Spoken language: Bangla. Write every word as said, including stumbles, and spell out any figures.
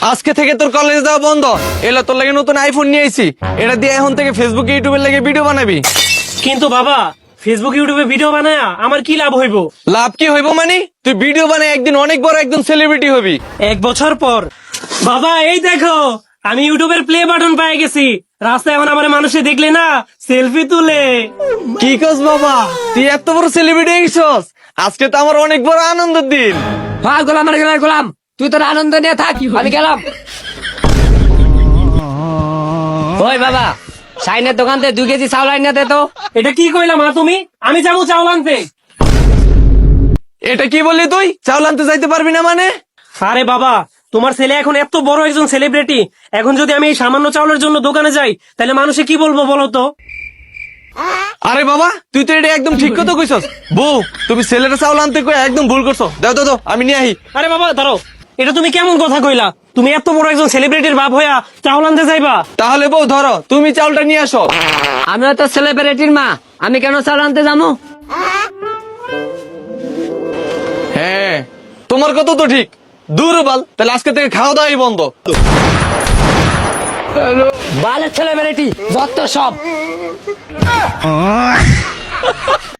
আজকে থেকে তোর কলেজে যাওয়া বন্ধ। এলা তোর লাগে নতুন আইফোন নিয়ে আইছি, এটা দিয়ে এখন থেকে ফেসবুক ইউটিউবের লাগে ভিডিও বানাবি। কিন্তু বাবা, ফেসবুক ইউটিউবে ভিডিও বানায়া আমার কি লাভ হইব? লাভ কি হইব মানে? তুই ভিডিও বানায় একদিন অনেক বড় একদম সেলিব্রিটি হবি। এক বছর পর বাবা, এই দেখো আমি ইউটিউবের প্লে বাটন পেয়ে গেছি। রাস্তায় এখন আমার মানুষে দেখলে না সেলফি তুলে। কি কস বাবা, তুই এত বড় সেলিব্রিটি হইছস? আজকে তো আমার অনেক বড় আনন্দের দিন। হ্যাঁ গোলাম, আর গেলাম গোলাম, তুই তোর আনন্দ নিয়ে থাক, আমি গেলাম। ওই বাবা, সাইনের দোকান থেকে দুই কেজি চাউল আইনা দে তো। এটা কি কইলা মা তুমি? আমি যাবো চাউল আনতে। এটা কি বললি তুই? চাউল আনতে যাইতে পারবি না মানে? আরে বাবা, তোমার ছেলে এখন এত বড় একজন সেলিব্রিটি, এখন যদি আমি এই সামান্য চাউলের জন্য দোকানে যাই তাহলে মানুষে কি বলবো বলো তো? আরে বাবা, তুই তো এটা একদম ঠিক কথা কইছস। বউ, তুমি ছেলেটা চাউল আনতে কই একদম ভুল করছো। দাও দাও দাও, আমি নিয়ে আহি। আরে বাবা দাঁড়াও, এটা তুমি কেমন কথা কইলা? তুমি এত বড় একজন সেলিব্রিটির বাপ হইয়া চাউল আনতে যাইবা? তাহলে বউ ধরো, তুমি চাউলটা নিয়ে আসো। আমিও তো সেলিব্রিটির মা, আমি কেন চাউল আনতে যাবো? হ্যাঁ, তোমার কথা তো ঠিক। দূর বাল, তাহলে আজকে থেকে খাওয়া দাওয়াই বন্ধ। বালের সেলিব্রিটি যত সব।